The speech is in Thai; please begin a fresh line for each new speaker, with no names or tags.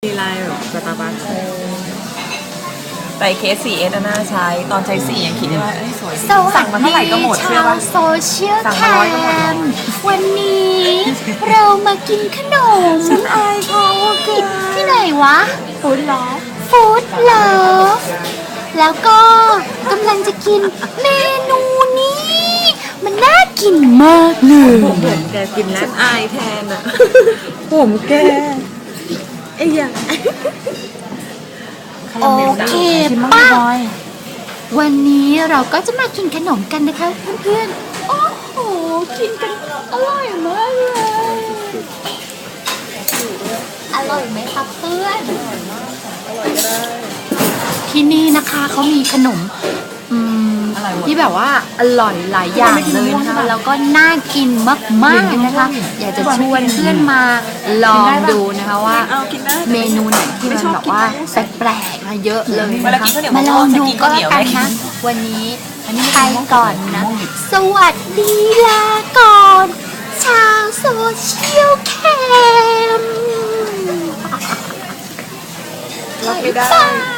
มีลายแบบสตาร์บัค
แต่เคส 4S น่าใช้ตอนใช้4ยังคิดได้ว่าสวยดี
สวั
สั่ง
ส
มาเท่าไหร่
ดี
ก็หมดเชื่อ
ชาว
ป่ะ
โซเชียล
สั่ง
แค
มา100ก็หมด
มวันนี้เรามากินขนม
ฉันอายเขาอะแก
ที่ไหนวะ
ฟู้ดล้อ
ฟู้ดเลิฟแล้วก็กำลังจะกินเมนูนี้ มันน่ากินมากเลย
ผมแกกินแล้วอายแทนอ่ะ ผมแกไอ้ยัง
โอเคป้าวันนี้เราก็จะมากินขนมกันนะคะเพื่อนๆ โอ้โห กินกันอร่อยมากเลย อร่อยไหมครับเพื่อน ที่นี่นะคะเขามีขนมที่แบบว่าอร่อยหลายอย่างเลยนะคะแล้วก็น่ากินมากๆนะคะ อยากจะชวนเพื่อนมาลองดูนะคะว่า
เอากินได้
เมนูไหนที่มันแบบว่าแปลกๆมาเยอะเลย
เว
นะ
ลา
คะ
กินข้าวเหนียว
มาลองดูก็
จะ
แล้ว
กิน
กั
ข้าวน เหนียว
นะ วันนี้ไปก่อนนะ สวัสดีลาก่อน ชาวโซเชียลแคม
รับไม่ได้
บ๊ายบาย